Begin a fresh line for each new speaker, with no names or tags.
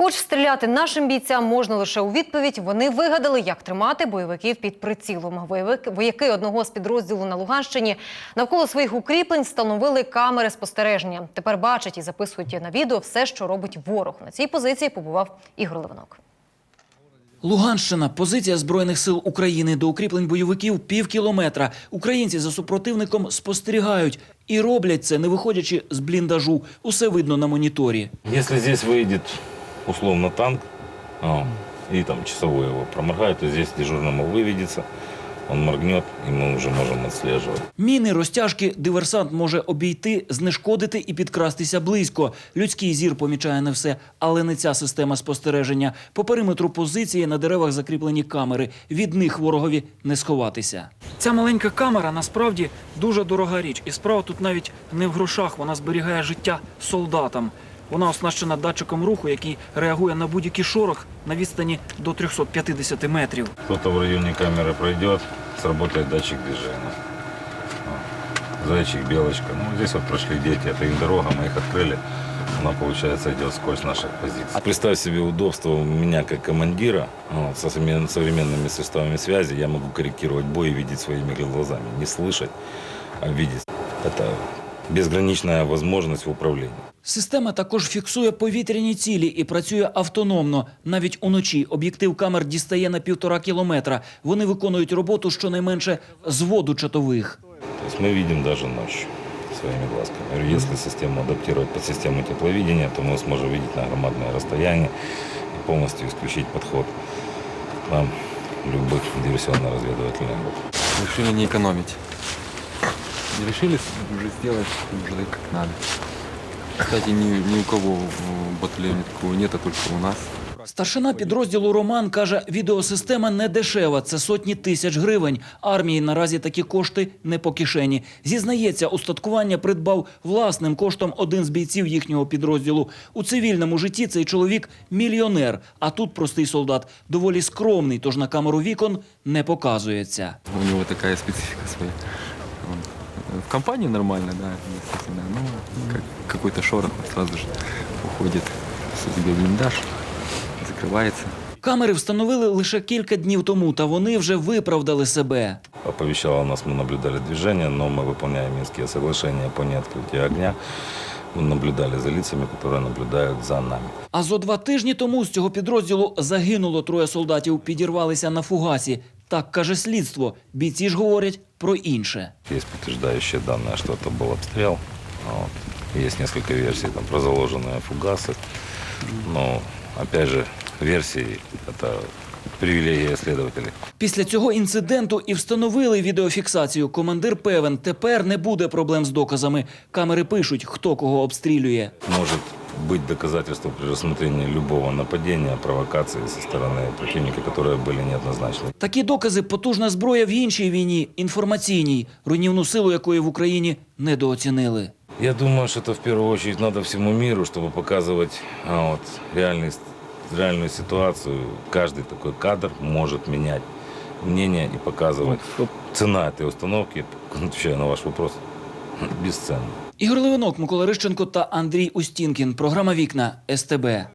Хоч стріляти нашим бійцям можна лише у відповідь, вони вигадали, як тримати бойовиків під прицілом. Вояки одного з підрозділу на Луганщині навколо своїх укріплень встановили камери спостереження. Тепер бачать і записують на відео все, що робить ворог. На цій позиції побував Ігор Левинок.
Луганщина – позиція Збройних сил України. До укріплень бойовиків пів кілометра. Українці за супротивником спостерігають. І роблять це, не виходячи з бліндажу. Усе видно на моніторі.
Якщо тут вийде, условно, танк, и там часовой его проморгает, то здесь дежурному выведется, он моргнет, и мы уже можем отслеживать.
Міни, розтяжки диверсант може обійти, знешкодити і підкрастися близько. Людський зір помічає не все, але не ця система спостереження. По периметру позиції на деревах закріплені камери. Від них ворогові не сховатися. Ця маленька камера насправді дуже дорога річ. І справа тут навіть не в грошах, вона зберігає життя солдатам. Вона оснащена датчиком руху, який реагує на будь-який шорох на відстані до 350 метрів.
Кто-то в районе камеры пройдет, сработает датчик движения. Зайчик, белочка. Ну, здесь вот прошли дети, это их дорога, мы их открыли. Она, получается, идет сквозь наших позиций. Представь себе удобство у меня как командира, со современными средствами связи. Я могу корректировать бой и видеть своими глазами. Не слышать, а видеть. Это безграничная возможность в управлении.
Система також фіксує повітряні цілі і працює автономно. Навіть уночі об'єктив камер дістає на 1,5 кілометра. Вони виконують роботу щонайменше з воду чотових.
То есть мы видим даже ночью своими глазками. Если систему адаптировать под систему тепловидения, то мы сможем видеть на громадное расстояние и полностью исключить подход к нам любых диверсионно-разведывательных групп.
Решили не экономить. Решили уже сделать уже как надо. Кстати, ни у кого в батальоне такого нет, а только у нас.
Старшина підрозділу Роман каже, відеосистема не дешева, це сотні тисяч гривень. Армії наразі такі кошти не по кишені. Зізнається, устаткування придбав власним коштом один з бійців їхнього підрозділу. У цивільному житті цей чоловік – мільйонер, а тут простий солдат доволі скромний, тож на камеру вікон не показується.
У него такая специфика своя. В компании нормально, да, естественно. Ну, какой-то шорох сразу же уходит в себе блиндаж, закрывается.
Камери встановили лише кілька днів тому, та вони вже виправдали себе.
Оповещало нас, мы наблюдали движение, но мы выполняем Минские соглашения по неоткрытию огня. Мы наблюдали за лицами, которые наблюдают за нами.
А зо 2 тижні тому з цього підрозділу загинуло 3 солдатів, підірвалися на фугасі. Так каже слідство. Бійці ж говорять про інше.
Есть подтверждающие данные, что это был обстрел. Есть несколько версий там, про заложенные фугасы. Но, опять же, версии – это привілегія слідователів.
Після цього інциденту і встановили відеофіксацію. Командир певен, тепер не буде проблем з доказами. Камери пишуть, хто кого обстрілює.
Може бути доказательство при розгляді будь-якого нападіння, провокації зі сторони противника, які були неоднозначні.
Такі докази – потужна зброя в іншій війні, інформаційній, руйнівну силу якої в Україні недооцінили.
Я думаю, що це в першу чергу треба всьому світу, щоб показувати реальную ситуацию. Каждый такой кадр может менять мнение и показывать. Цена этой установки, отвечая на ваш вопрос, бесценна.
Ігор Левинок, Микола Рищенко та Андрій Устінкін. Програма «Вікна» СТБ.